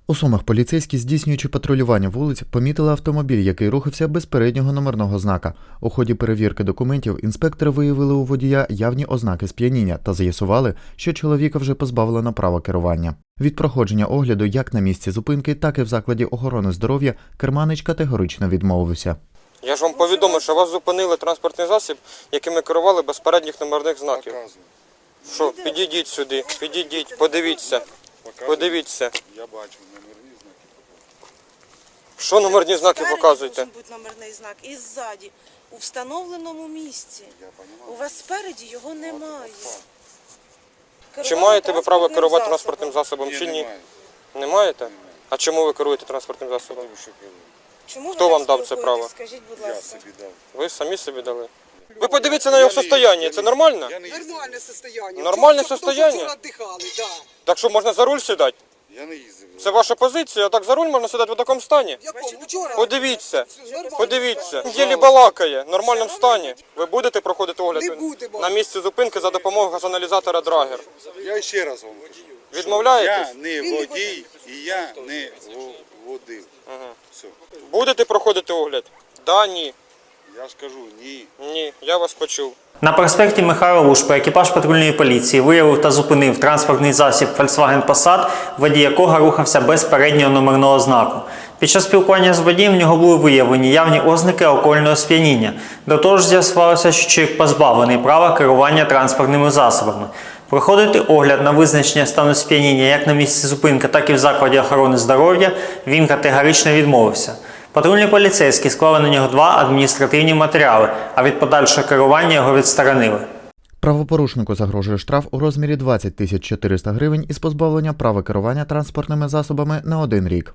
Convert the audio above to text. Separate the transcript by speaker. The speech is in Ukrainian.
Speaker 1: У Сумах поліцейські, здійснюючи патрулювання вулиць, помітили автомобіль, який рухався без переднього номерного знака. У ході перевірки документів інспектори виявили у водія явні ознаки сп'яніння та з'ясували, що чоловіка вже позбавлено права керування. Від проходження огляду як на місці зупинки, так і в закладі охорони здоров'я керманич категорично відмовився.
Speaker 2: Я ж вам повідомив, що вас зупинили транспортний засіб, яким ми керували без передніх номерних знаків. Що, підійдіть сюди, підійдіть, подивіться. Подивіться.
Speaker 3: Я бачу номерні знаки.
Speaker 2: Що номерні знаки показуєте?
Speaker 4: Спереді має бути номерний знак і ззаді, у встановленому місці.
Speaker 3: Я розумію.
Speaker 4: У вас спереді його немає.
Speaker 2: Чи маєте ви право керувати транспортним засобом, чи ні?
Speaker 3: Немає.
Speaker 2: Не маєте? А чому ви керуєте транспортним засобом?
Speaker 3: Тому що керую.
Speaker 4: Чому
Speaker 2: Хто
Speaker 4: ви
Speaker 2: вам
Speaker 4: так
Speaker 2: дав це
Speaker 4: спілкуєтесь?
Speaker 2: право?
Speaker 4: Скажіть, будь
Speaker 3: Я
Speaker 4: ласка.
Speaker 3: собі дав.
Speaker 2: Ви самі собі дали. Ви подивіться на його состояння, це нормально?
Speaker 3: Я не їздив.
Speaker 5: Нормальне состояние.
Speaker 2: Нормальне
Speaker 5: Вчора
Speaker 2: состояние?
Speaker 5: віддихали, да.
Speaker 2: Так що можна за руль сідати?
Speaker 3: Я не їздив.
Speaker 2: Це ваша позиція, а так за руль можна сідати в такому стані?
Speaker 5: В якому? Вчора.
Speaker 2: Подивіться,
Speaker 5: Нормально.
Speaker 2: подивіться. Єлі балакає, в нормальному стані. Ви будете проходити огляд
Speaker 5: Не будемо.
Speaker 2: на місці зупинки за допомогою газоаналізатора Драгер?
Speaker 3: Я ще раз вам кажу.
Speaker 2: Відмовляєтесь?
Speaker 3: Я не водій і я не водив. Все.
Speaker 2: Будете проходити огляд? Да, ні.
Speaker 3: Я ж кажу, ні.
Speaker 2: Ні, я вас почув.
Speaker 6: На проспекті Михайла Лушпа екіпаж патрульної поліції виявив та зупинив транспортний засіб Volkswagen Passat, водій якого рухався без переднього номерного знаку. Під час спілкування з водієм в нього були виявлені явні ознаки алкогольного сп'яніння. До того ж з'ясувалося, що чоловік позбавлений права керування транспортними засобами. Проходити огляд на визначення стану сп'яніння як на місці зупинки, так і в закладі охорони здоров'я він категорично відмовився. Патрульні поліцейські склали на нього 2 адміністративні матеріали, а від подальшого керування його відсторонили.
Speaker 1: Правопорушнику загрожує штраф у розмірі 20 400 гривень із позбавлення права керування транспортними засобами на 1 рік.